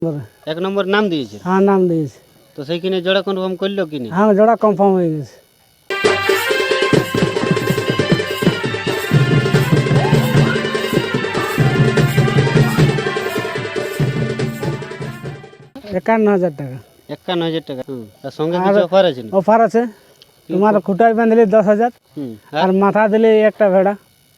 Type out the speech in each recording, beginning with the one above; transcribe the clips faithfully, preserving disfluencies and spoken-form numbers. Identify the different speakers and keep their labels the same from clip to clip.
Speaker 1: এক নম্বর নাম দিয়েছে।
Speaker 2: হ্যাঁ নাম দিয়েছে।
Speaker 1: তো সেইখানে জোড়া কনফার্ম করলো কিনা?
Speaker 2: হ্যাঁ জোড়া কনফার্ম হয়ে গেছে। একান্ন হাজার টাকা।
Speaker 1: একান্ন হাজার টাকা। তার সঙ্গে কিছু অফার আছে?
Speaker 2: অফার আছে, তোমার খুঁটায় বাঁধলে দশ হাজার আর মাথা দিলে একটা ভেড়া।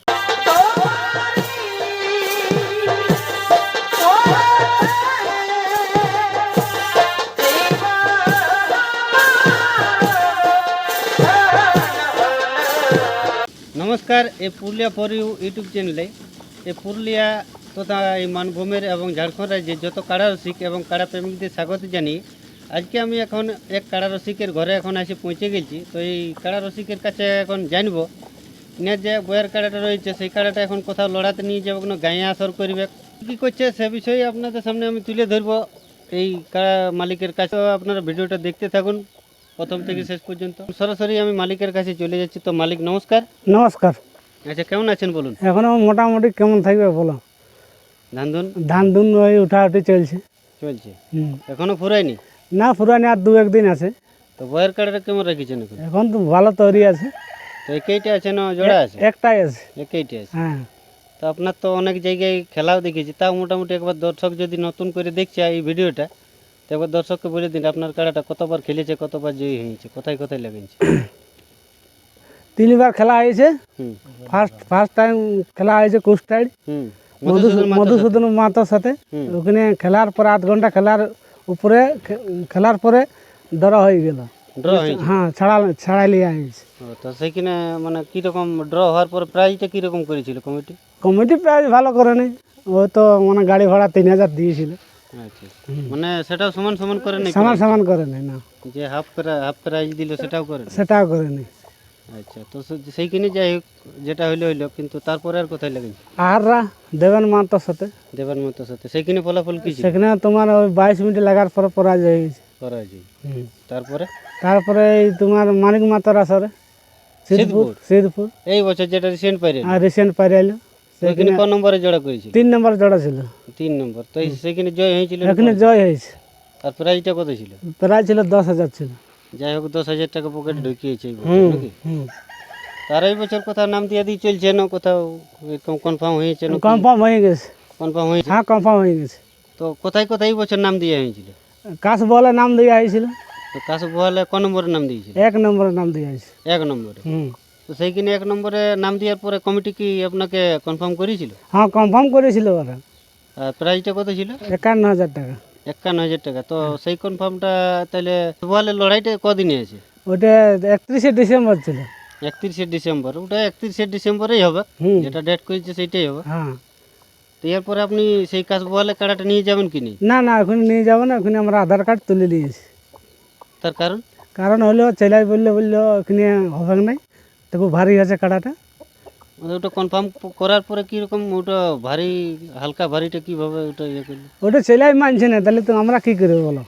Speaker 1: নমস্কার, এই পুরুলিয়া ফর ইউ ইউটিউব চ্যানেলে এই পুরুলিয়া তথা এই মানভূমের এবং ঝাড়খণ্ড রাজ্যের যত কাড়া রসিক এবং কাড়া প্রেমিকদের স্বাগত জানিয়ে আজকে আমি এখন এক কাড়া রসিকের ঘরে এখন এসে পৌঁছে গেছি। তো এই কাড়া রসিকের কাছে এখন জানব না যে বইয়ের কাড়াটা রয়েছে সেই কাড়াটা এখন কোথাও লড়াতে নিয়ে যাবে, কোনো গায়ে আসর করবে, কী করছে সে বিষয়ে আপনাদের সামনে আমি তুলে ধরবো এই কাড়া মালিকের কাছে। আপনারা ভিডিওটা দেখতে থাকুন প্রথম থেকে শেষ পর্যন্ত। সরাসরি আমি মালিকের কাছে চলে যাচ্ছি। তো মালিক নমস্কার।
Speaker 2: নমস্কার।
Speaker 1: আচ্ছা, কেমন আছেন বলুন?
Speaker 2: এখনো মোটামুটি কেমন থাকবে বলো?
Speaker 1: ধান ধুন
Speaker 2: ধান ধুন ওই উঠাউঠি চলছে।
Speaker 1: চলছে?
Speaker 2: হুম।
Speaker 1: এখনো ফুরায়নি?
Speaker 2: না ফুরানি, আর দু একদিন আছে।
Speaker 1: তো বয়ের কাড়াটা কেমন রেখেছেন এখন?
Speaker 2: এখন তো ভালো তৈরি আছে।
Speaker 1: তো একইটা আছে না জোড়া আছে?
Speaker 2: একটাই আছে।
Speaker 1: একইটা আছে।
Speaker 2: হ্যাঁ।
Speaker 1: তো আপনার তো অনেক জায়গায় খেলাও দেখেছি, তাও মোটামুটি একবার দর্শক যদি নতুন করে দেখছে এই ভিডিওটা, তো একবার দর্শককে বলে দিন আপনার কাড়াটা কতবার খেলেছে, কতবার জয়ী হয়েছে, কোথায় কোথায় লেগেছে?
Speaker 2: তিনবার খেলা হয়েছে।
Speaker 1: হুম
Speaker 2: ফার্স্ট ফার্স্ট টাইম খেলা হয়েছে কুস্টাইড
Speaker 1: হুম
Speaker 2: মধুসূদন মাতার সাথে। ওখানে খেলার পর আধ ঘন্টা খেলার উপরে খেলার পরে ড্র হয়ে গেল।
Speaker 1: ড্র হয়েছে?
Speaker 2: হ্যাঁ ছাড়া ছাড়াই লিয়ে হয়েছে।
Speaker 1: তো সেইখানে মানে কীরকম ড্র হওয়ার পর প্রাইজটা কীরকম করেছিল কমিটি?
Speaker 2: কমিটি প্রাইজ ভালো করে নেই, ও তো মানে গাড়ি ভাড়া তিন হাজার দিয়েছিল।
Speaker 1: আচ্ছা, মানে সেটাও সমান সমান করে নেই?
Speaker 2: সমান সমান করে নেই না,
Speaker 1: যে হাফ হাফ প্রাইজ দিল সেটাও করে নেই?
Speaker 2: সেটাও করে নেই।
Speaker 1: আচ্ছা, তো সেইখানে যাই হোক যেটা হইলো হইলো, কিন্তু তারপরে আর কোথায় লেগেছে?
Speaker 2: আহাররা দেবেন মাতার সাথে।
Speaker 1: দেবেন মাতার সাথে সেইখানে ফলাফল কি ছিল?
Speaker 2: সেখানে তোমার ওই বাইশ মিনিট লাগার পরে পরাজয় হয়েছে।
Speaker 1: পরাজয়। তারপরে
Speaker 2: তারপরে এই তোমার মানিক মাতার আসরে সিদ্ধপুর সিদ্ধপুর
Speaker 1: এই বছর যেটা রিসেন্ট পাইরে
Speaker 2: আর রিসেন্ট পাইরাইলো।
Speaker 1: সেইখানে কোন নম্বরে জোড়া করেছিল?
Speaker 2: তিন নম্বর জোড়া ছিল।
Speaker 1: তিন নম্বর। তো সেইখানে জয় হয়েছিল?
Speaker 2: এখানে জয় হয়েছে।
Speaker 1: আর প্রাইজটা কত ছিল?
Speaker 2: প্রাইজ ছিল দশ হাজার ছিল।
Speaker 1: যাই হোক, দশ হাজার টাকা পকেট ঢুকিয়েছে এই বছর
Speaker 2: হুম
Speaker 1: নাকি?
Speaker 2: হুম।
Speaker 1: তার এই বছর কোথাও নাম দিয়ে দিয়ে চলছে না, কোথাও এরকম কনফার্ম হয়েছে না?
Speaker 2: কনফার্ম হয়ে গেছে।
Speaker 1: কনফার্ম হয়েছে?
Speaker 2: হ্যাঁ কনফার্ম হয়ে গেছে।
Speaker 1: তো কোথায় কোথায় এই বছর নাম দেওয়া হয়েছিল?
Speaker 2: কাশ বলে নাম দেওয়া হয়েছিল।
Speaker 1: তো কাশু বলে ক নম্বরে নাম দিয়েছিল?
Speaker 2: এক নম্বরে নাম দেওয়া হয়েছে।
Speaker 1: এক নম্বরে।
Speaker 2: হুম।
Speaker 1: তো সেইখানে এক নম্বরে নাম দেওয়ার পরে কমিটি কি আপনাকে কনফার্ম করেছিল?
Speaker 2: হ্যাঁ কনফার্ম করেছিল ওরা।
Speaker 1: আর প্রাইসটা কত ছিল?
Speaker 2: একান্ন হাজার টাকা।
Speaker 1: একান্ন হাজার টাকা। তো সেই কনফার্মটা তাহলে বলে লড়াইটা কদিনে আছে?
Speaker 2: ওটা একত্রিশে ডিসেম্বর ছিল।
Speaker 1: একত্রিশে ডিসেম্বর? ওটা একত্রিশে ডিসেম্বরেই হবে, যেটা ডেট করেছে সেইটাই হবে।
Speaker 2: হ্যাঁ।
Speaker 1: তো এরপরে আপনি সেই কাজ বলে কাড়াটা নিয়ে যাবেন কি? নেই
Speaker 2: না না ওখানে নিয়ে যাবো না, ওখানে আমরা আধার কার্ড তুলে দিয়েছি।
Speaker 1: তার কারণ?
Speaker 2: কারণ হলো ছেলাই বললে বললো ওখানে হবে নাই, তো খুব ভারী আছে কাড়াটা।
Speaker 1: মানে ওটা কনফার্ম করার পরে কীরকম ওটা ভারী হালকা ভারীটা কীভাবে ওটা ইয়ে করলো?
Speaker 2: ওটা ছেলাই মানছে না, তাহলে তো আমরা কী করবো বলো?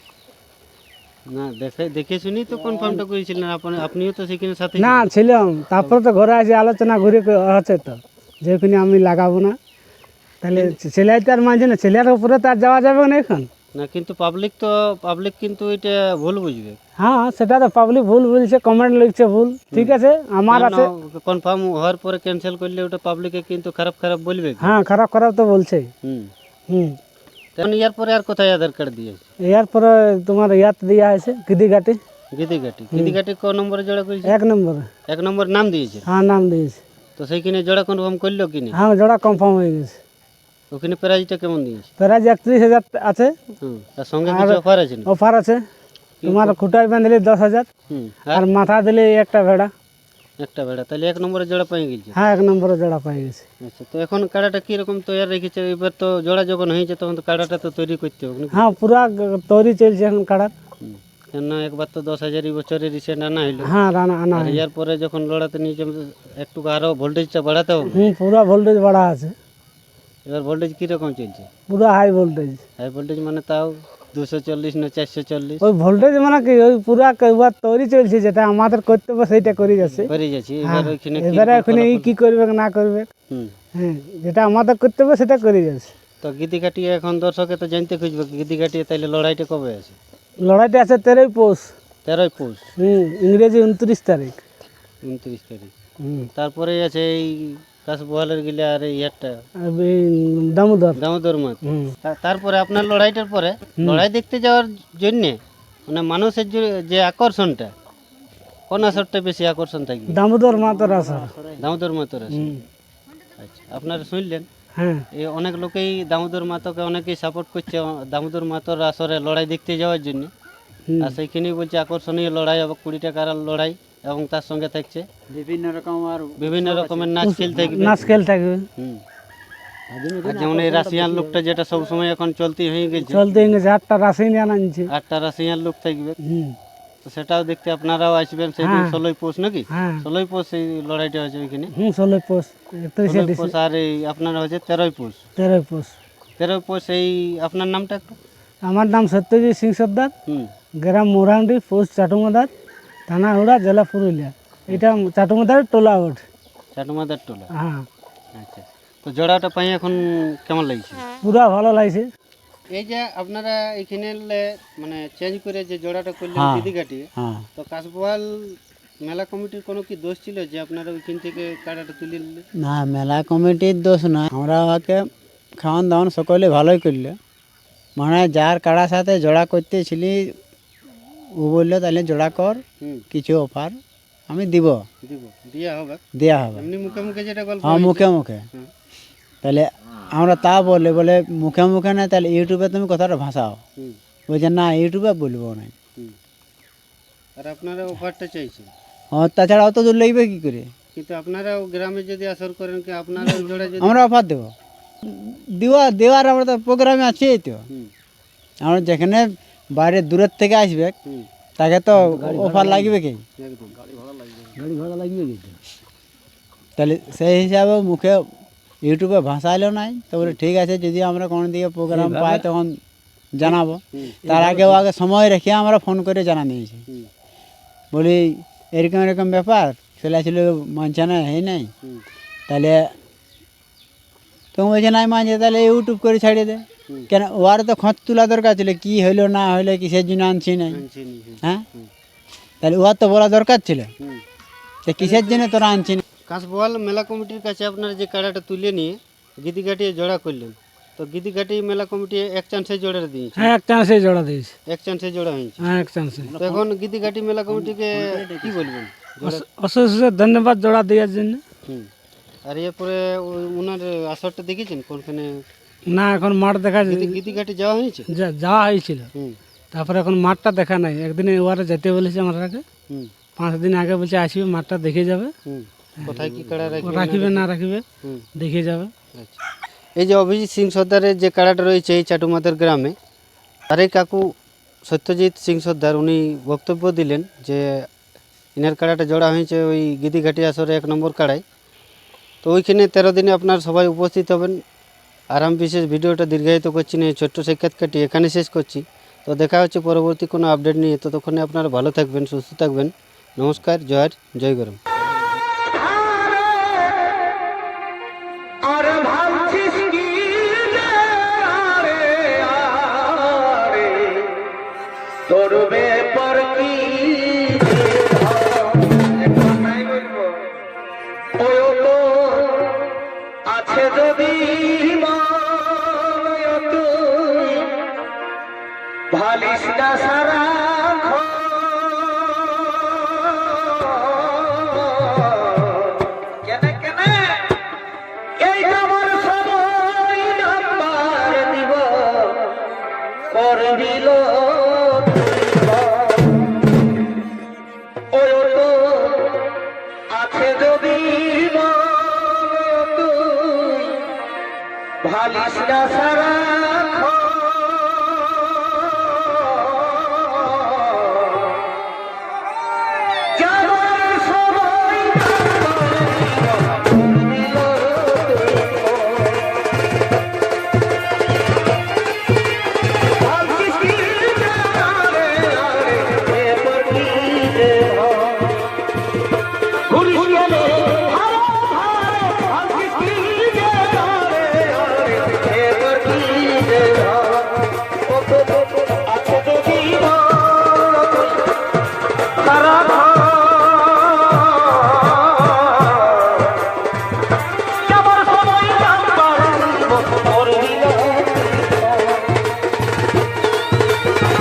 Speaker 1: না দেখে দেখে শুনি তো কনফার্মটা করেছিলেন আপনি, আপনিও তো সেখানে সাথে
Speaker 2: না ছিলাম। তারপরে তো ঘরে আসে আলোচনা ঘুরে হচ্ছে তো যে ওখানে আমি লাগাবো না, তাহলে ছেলাই তো আর মানছে না, ছেলের উপরে তো আর যাওয়া যাবে না এখন।
Speaker 1: না, কিন্তু পাবলিক তো পাবলিক কিন্তু এটা ভুল বুঝবে।
Speaker 2: হ্যাঁ সেটা তো পাবলিক ভুল বলছে, কমেন্ট লিখছে ভুল, ঠিক আছে আমার আছে।
Speaker 1: কনফার্ম হওয়ার পরে ক্যান্সেল করলে ওটা পাবলিকে কিন্তু খারাপ খারাপ বলবে।
Speaker 2: হ্যাঁ খারাপ খারাপ তো বলছে।
Speaker 1: হুম
Speaker 2: হুম।
Speaker 1: তখন ইয়ার পরে আর কোথায় আধার কার্ড দিয়েছে?
Speaker 2: এর পরে তোমার ইয়াত দেওয়া হয়েছে গিদিঘাটি।
Speaker 1: গিদিঘাটি? গিদিঘাটি ক নম্বরে জোড়া করেছে?
Speaker 2: এক নম্বরে।
Speaker 1: এক নম্বর নাম দিয়েছে?
Speaker 2: হ্যাঁ নাম দিয়েছে।
Speaker 1: তো সেইখানে জোড়া কনফার্ম করলো কি না?
Speaker 2: হ্যাঁ জোড়া কনফার্ম হয়ে গেছে।
Speaker 1: ওখানে প্রাইজটা কেমন দিয়েছে?
Speaker 2: প্রাইজ একত্রিশ হাজার আছে।
Speaker 1: হুম। তার সঙ্গে কিছু অফার আছে?
Speaker 2: অফার আছে, তোমার খুঁটায় বাঁধলে দশ হাজার
Speaker 1: হুম
Speaker 2: আর মাথা দিলে একটা ভেড়া।
Speaker 1: একটা ভেড়া? তাহলে এক নম্বরে জোড়া পেয়ে গেছে?
Speaker 2: হ্যাঁ এক নম্বরে জোড়া পেয়ে গেছে।
Speaker 1: আচ্ছা, তো এখন কাড়াটা কীরকম তৈরি রেখেছে? এবার তো জোড়া যখন হয়েছে তখন তো কাড়াটা তো তৈরি করতে হবে নাকি?
Speaker 2: হ্যাঁ পুরা তৈরি চলছে এখন কাড়ার।
Speaker 1: হুম। কেন একবার তো দশ হাজার এই বছরে রিসেন্ট আনা হইলো।
Speaker 2: হ্যাঁ রানা আনা হয়।
Speaker 1: এর পরে যখন লড়াতে নিয়ে যাবে একটু আরও ভোল্টেজটা বাড়াতে হবে।
Speaker 2: হুম পুরা ভোল্টেজ বাড়া আছে।
Speaker 1: এবার ভোল্টেজ কীরকম চলছে?
Speaker 2: পুরা হাই ভোল্টেজ।
Speaker 1: হাই ভোল্টেজ মানে তাও দুশো চল্লিশ না চারশো চল্লিশ?
Speaker 2: ওই ভোল্টেজ মানে কি ওই পুরা একবার তৈরি চলছে, যেটা আমাদের করতে হবে সেইটা করে যাচ্ছে।
Speaker 1: করে যাচ্ছি এবার ওইখানে
Speaker 2: এবারে ওখানে কি করবে না করবে,
Speaker 1: হুম
Speaker 2: হ্যাঁ যেটা আমাদের করতে হবে সেটা করে যাচ্ছে।
Speaker 1: তো গিদিঘাটিয়া এখন দর্শকে তো জানতে খুঁজবে গিদিঘাটিয়া তাইলে লড়াইটা কবে আছে?
Speaker 2: লড়াইটা আছে তেরোই পৌষ।
Speaker 1: তেরোই পৌষ।
Speaker 2: হুম, ইংরেজি উনত্রিশ তারিখ।
Speaker 1: উনত্রিশ তারিখ।
Speaker 2: হুম,
Speaker 1: তারপরে আছে এই কাশবহালের গিলে আর এই ইয়ারটা
Speaker 2: আর এই দামোদর।
Speaker 1: দামোদর মাছ।
Speaker 2: হুম,
Speaker 1: তা- তারপরে আপনার লড়াইটার পরে লড়াই দেখতে যাওয়ার জন্যে মানে মানুষের যে- যে আকর্ষণটা কোন আসরটা বেশি আকর্ষণ থাকবে?
Speaker 2: দামোদর মাতর আসর।
Speaker 1: দামোদর মাতর আসর।
Speaker 2: হুম,
Speaker 1: আচ্ছা, আপনারা শুনলেন
Speaker 2: হ্যাঁ,
Speaker 1: এই অনেক লোকেই দামোদর মাতকে অনেকেই সাপোর্ট করছে দামোদর মাতর আসরে লড়াই দেখতে যাওয়ার জন্য।
Speaker 2: হুম,
Speaker 1: আর সেইখানেই বলছে আকর্ষণীয় লড়াই এবং কুড়ি টাকার লড়াই এবং তার সঙ্গে থাকছে
Speaker 3: বিভিন্ন রকম আর
Speaker 1: বিভিন্ন রকমের নাচ খেল থাকবে।
Speaker 2: নাচ খেল থাকবে।
Speaker 1: হুম। আর যেমন এই রাশিয়ান লোকটা যেটা সবসময় এখন চলতি হয়ে গেছে,
Speaker 2: চলতে গেছে আটটা রাশি নিয়ে আনছে।
Speaker 1: আটটা রাশিয়ান লোক থাকবে,
Speaker 2: হুম,
Speaker 1: তো সেটাও দেখতে আপনারাও আসবেন সেদিন
Speaker 2: হ্যাঁ।
Speaker 1: ষোলোই পৌষ নাকি?
Speaker 2: হ্যাঁ,
Speaker 1: ষোলোই পৌষ এই লড়াইটা হয়েছে ওইখানে।
Speaker 2: হুম, ষোলোই পৌষ, একত্রিশে
Speaker 1: ষোলোই
Speaker 2: ডিসেম্বর,
Speaker 1: পৌষ আর এই আপনারা হচ্ছে তেরোই পৌষ।
Speaker 2: তেরোই পৌষ।
Speaker 1: তেরোই পৌষ এই আপনার নামটা একটু।
Speaker 2: আমার নাম সত্যজিৎ সিং সর্দার,
Speaker 1: হুম।
Speaker 2: গ্রাম মোরান্ডি, পোস্ট চাটুমাদার, থানা হুড়া, জেলা পুরুলিয়া। এটা চাটুমাদার টোলা ওঠ।
Speaker 1: চাটুমাদার টোলা।
Speaker 2: হ্যাঁ,
Speaker 1: আচ্ছা, তো জোড়াটা পাই এখন কেমন লাগছে?
Speaker 2: পুরা ভালো লাগছে।
Speaker 1: এই যে আপনারা এখানে লে- মানে চেঞ্জ করে যে জোড়াটা করলেন
Speaker 3: হ্যাঁ।
Speaker 1: দিদিঘাটি,
Speaker 3: হ্যাঁ
Speaker 1: তো কাশবহাল মেলা কমিটির কোনো কি দোষ ছিল যে আপনারা ওইখান থেকে কাড়াটা তুলে নিলেন?
Speaker 3: না, মেলা কমিটির দোষ না, আমরা ওকে খাওয়ান দাওয়ান সকলে ভালোই করলে। মানে যার কাড়ার সাথে জোড়া করতেছিলি ও বললো তাহলে জোড়া কর,
Speaker 1: হুম,
Speaker 3: কিছু অফার আমি দিব,
Speaker 1: দিব দিয়া হবে,
Speaker 3: দেওয়া হবে।
Speaker 1: এমনি মুখে মুখে যেটা গল্প
Speaker 3: হ্যাঁ,
Speaker 1: হয়েছে।
Speaker 3: মুখে মুখে।
Speaker 1: হুম,
Speaker 3: তাহলে আমরা তা বললে বলে মুখে মুখে না, তাহলে ইউটিউবে তুমি কথাটা ভাষাও।
Speaker 1: হুম,
Speaker 3: বলছে না, ইউটিউবে বলবো না।
Speaker 1: হুম। আর আপনারা অফারটা চাইছেন,
Speaker 3: ও তাছাড়া অত দূর লাগবে কী করে?
Speaker 1: কিন্তু আপনারা গ্রামে যদি আসর করেন কি আপনারা ওই জোড়া যদি
Speaker 3: আমরা অফার দেবো, দেওয়া দেওয়ার আমরা তো প্রোগ্রামে আছি তো।
Speaker 1: হুম,
Speaker 3: আমরা যেখানে বাইরে দূরের থেকে আসবে
Speaker 1: হুম,
Speaker 3: তাকে তো অফার লাগবে কি?
Speaker 1: একদম
Speaker 2: গাড়ি ভাড়া লাগবে কিন্তু।
Speaker 3: তাহলে সেই হিসাবে মুখে ইউটিউবে ভাষাইলেও নাই, তো বলে ঠিক আছে, যদি আমরা কোনো দিকে প্রোগ্রাম পাই তখন জানাবো।
Speaker 1: হুম,
Speaker 3: তার আগেও আগে সময় রেখে আমরা ফোন করে জানা দিয়েছি,
Speaker 1: হুম,
Speaker 3: বলি এরকম এরকম ব্যাপার ছেলে ছিল মানছে না, এই নাই।
Speaker 1: হুম,
Speaker 3: তাহলে তুমি বলছে নাই মানছে, তাহলে ইউটিউব করে ছাড়িয়ে দে।
Speaker 1: হুম।
Speaker 3: কেন ওর তো খোঁজ তোলা দরকার ছিল, কি হইলো না হইলো, কিসের জন্য আনছি নাই,
Speaker 1: আনছি নি, হুম,
Speaker 3: হ্যাঁ?
Speaker 1: হুম,
Speaker 3: তাহলে ওর তো বলা দরকার ছিল
Speaker 1: হুম।
Speaker 3: যে কিসের জন্য তোরা আনছি না।
Speaker 1: কাশবহাল মেলা কমিটির কাছে আপনারা যে কাড়াটা তুলে নিয়ে গিদিঘাটি জোড়া করলেন, তো গিদিঘাটি মেলা কমিটি এক চান্সে জোড়া দিয়েছে,
Speaker 2: হ্যাঁ, এক চান্সে জোড়া দিয়েছে।
Speaker 1: এক চান্সে জোড়া হয়েছে।
Speaker 2: হ্যাঁ, এক চান্সে।
Speaker 1: তো এখন গিদিঘাটি মেলা কমিটিকে কি বলবেন? জোড়া-
Speaker 2: অশেষ অশেষ ধন্যবাদ জোড়া দেওয়ার জন্য।
Speaker 1: হুম। আর এরপরে ওই- ওনার আসরটা দেখেছেন কোনখানে?
Speaker 2: না, এখন মাঠ দেখা
Speaker 1: গিদি- গিদিঘাটি যাওয়া হয়েছে?
Speaker 2: যা- যাওয়া হয়েছিল,
Speaker 1: হুম,
Speaker 2: তারপরে এখন মাঠটা দেখা নাই। একদিনে ওয়ারে যেতে বলেছে আমাকে,
Speaker 1: হুম,
Speaker 2: পাঁচ দিন আগে বলছে আসবে, মাঠটা দেখে যাবে,
Speaker 1: হুম। কোথায় কি কাড়া রাখবে?
Speaker 2: রাখিবে না রাখিবে
Speaker 1: হুম,
Speaker 2: দেখে যাবে।
Speaker 1: আচ্ছা। এই যে অভিজিৎ সিং সর্দারের যে কাড়াটা রয়েছে এই চাটুমাদের গ্রামে, তার এই কাকু সত্যজিৎ সিং সর্দার উনি বক্তব্য দিলেন যে ইনার কাড়াটা জোড়া হয়েছে ওই গিদিঘাটি আসরে এক নম্বর কাড়ায়। তো ওইখানে তেরো দিনে আপনার সবাই উপস্থিত হবেন। আর আমি বিশেষ ভিডিওটা দীর্ঘায়িত করছি না, এই ছোট্ট সাক্ষাৎকারটি এখানে শেষ করছি। তো দেখা হচ্ছে পরবর্তী কোনো আপডেট নিয়ে, ততক্ষণে আপনারা ভালো থাকবেন, সুস্থ থাকবেন। নমস্কার, জয় জয় গরম।
Speaker 4: তোর ব্যাপার কি ওই তো আছে যদি ভালিস না সারা কেন কেন এই আমার সময় নাম্বার দিব করবিল ওই তো আছে যদি ভালিস না সারা Hey, ও